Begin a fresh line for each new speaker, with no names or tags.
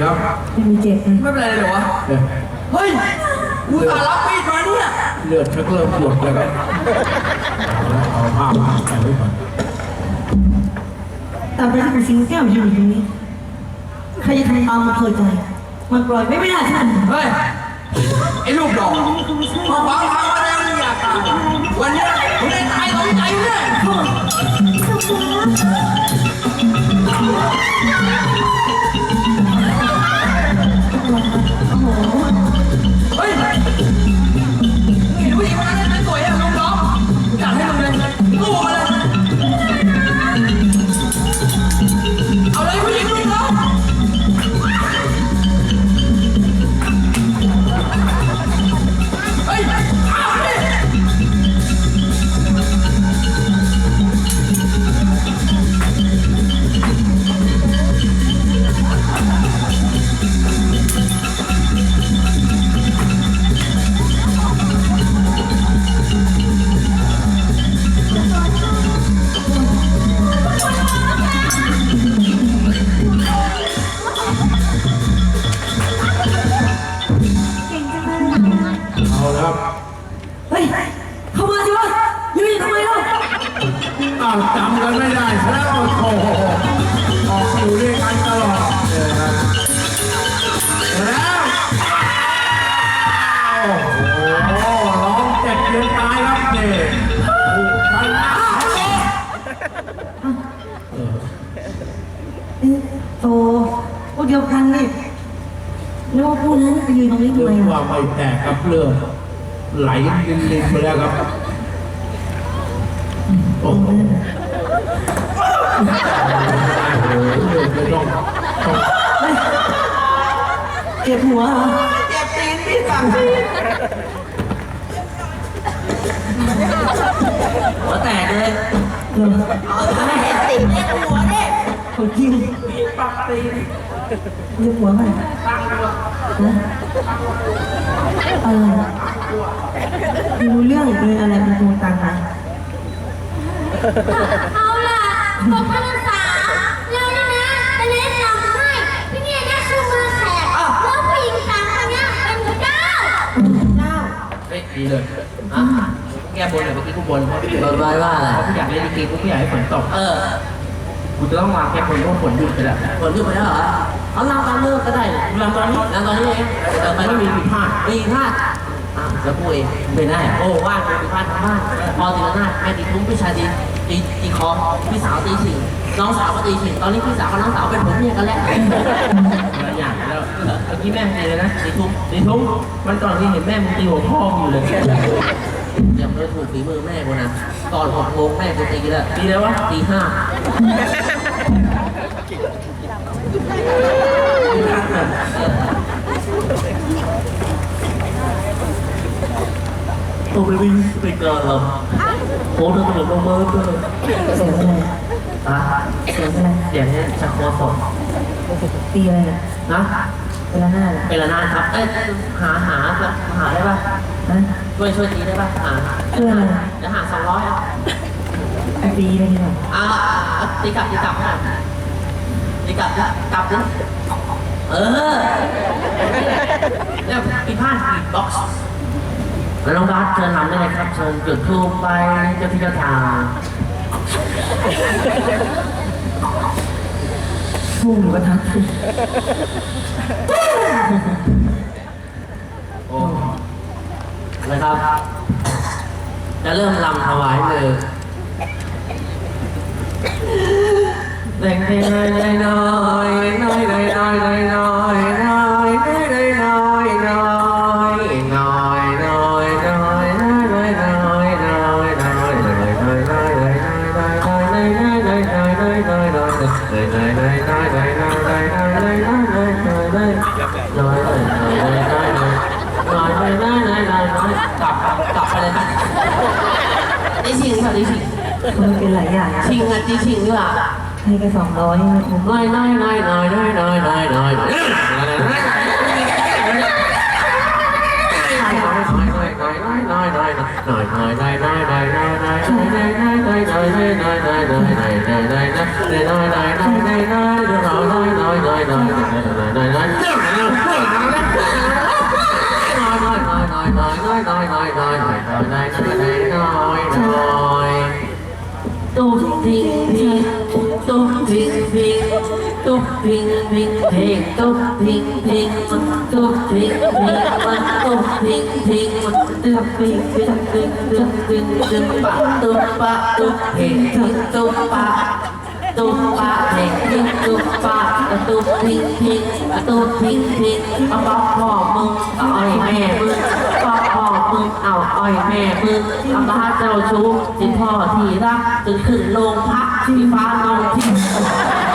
ครับ
ไม่มีเจ็บ
ไม่เป็นไรเลยวะเฮ้ยกูตารับมีดมาเนี่ย
เลือดชักเริ่มหยดแล้วครับเอาผ้ามาใส่ไว้ก่อน
ตามไปที่สิงแก้วอยู่ตรงนี้ใครจะทำตามมันเคยใจมันปล่อยไม่ได้ท่าน
เฮ้ยไอ้ลูกดอกมาฟังมาแล้วมึงอยากตายวันนี้มึงได้ตายตรงใจเนี่ยเฮ้ยเห็นผู้หญิงคนนั้นสวยอ่ะลูกดอกอยากให้มึงเลยสู้มาเลยเอาเลยผู้หญิงลูกดอกเฮ้ยเอาดิ
เอาแล้วครับ
เฮ้ยเข้ามาสิวะยืนทำไมล่ะ
จำกันไม่ได้แล้วโอ้โหออกอยู่ด้วยกันตลอดเลยครับแล้วโอ้โหร้องเจ็บจนตายครับเด็ก
โตพวกเดียวกันนี่นึกว่าพูดนั้นไปยืนตรงนี้ทำไม
เรื่องว่า
อ่ะ
ไม่แตกครับเรื่องไหลลินไปแล้วครับโอ้โหเลือดจะต้อง
เจ็บหัวเหรอ
เจ็บตีนพี่สั่งหัวแตกเลยเอาเห็นตีนเล่นหัวเนี่ย
คนจริง
ปักตีน
เจ็บหัวไหมนะอะไรดูเรื่องเป็นอะไรเป็นตัวตังนะ
เอาล่ะบอกพนักงานเราเนี่ยนะจะแนะนำให้พี่เนี่ยได้ชื่อเมืองแขกแล้วผู้หญิงสามคนเนี้ยเป็นพระเจ้า
เฮ้ยดีเลยแก้บนเลยเมื่อกี้กูบนไว้ว่าอะไรกูอยากเล่นลิเกกูไม่อยากให้ฝนตกกูจะต้องมาแก้บนเพราะฝนหยุดไปแล้วฝนหยุดไปแล้วเหรอเอาลำตอนเลิกก็ได้ลำตอนนี้ลำตอนนี้เองแต่ไม่มีผิดพลาดแล้วกูเองไม่ได้โอ้ว่างผิดพลาดทั้งบ้านพอตีละนาดแม่ตีทุ่มพี่ชายตีคอพี่สาวตีฉิงน้องสาวก็ตีฉิงตอนนี้พี่สาวกับน้องสาวเป็นผมเนี่ยกันแล้วหลายอย่างแล้วเมื่อกี้แม่ตีเลยนะตีทุ่มมันก่อนที่เห็นแม่มึงตีหัวพ่ออยู่เลยยังไม่ถูกฝีมือแม่กูนะก่อน6 โมงแม่กูตีแล้วตีแล้ววะตี 5tôi mới đi bây giờ là bố nó có một mơ cơ
เสียงอะไร
เสียง
อะไร
อย่างนี้ชักคอสด
ตีอะไรนะเป็นละหน้าเหรอ
เป็นละนาครับหาได้ป่ะช่วยตีได้ป่ะ
ช่วยอะไร
จะหา200
ตีอะไรดีกว่า
ตีกลับนะตีกลับดิเนี่ยปีพาดปีบ็อกซ์แล้วน้องบาสเชิญทำได้เลยครับเชิญจุดธูปไปเจ้าที่เจ้าทาง
พุ่งหรือกระทัด
โอ้นะครับจะเริ่มรำถวายเลยเด็กน้อยกลับไปเลยครับได้ชิงค่ะได้ชิง
มันเป็นหลายอย่าง
ชิงตีชิงดีกว่า
ให้แค่200ผม
น้อยตุ๊กทิ้งทิ้งตุ๊กทิ้งทิ้งตุ๊กทิ้งทิ้งเพลงตุ๊กทิ้งทิ้งตุ๊กทิ้งทิ้งตุ๊กทิ้งทิ้งตุ๊กทิ้งทิ้งตุ๊กทิ้งทิ้งตุ๊กปะตุ๊กปะตุ๊กเพลงตุ๊กปะตุ๊กปะเพลงตุ๊กปะตุ๊กทิ้งทิ้งตุ๊กทิ้งทิ้งเอาพ่อมึงเอาอ้อยแม่มึงพ่อมึงเอาอ้อยแม่มึงเอาบ้าเจ้าชู้ที่พ่อที่รักจนขึ้นโรงพักที่ฟ้านองที่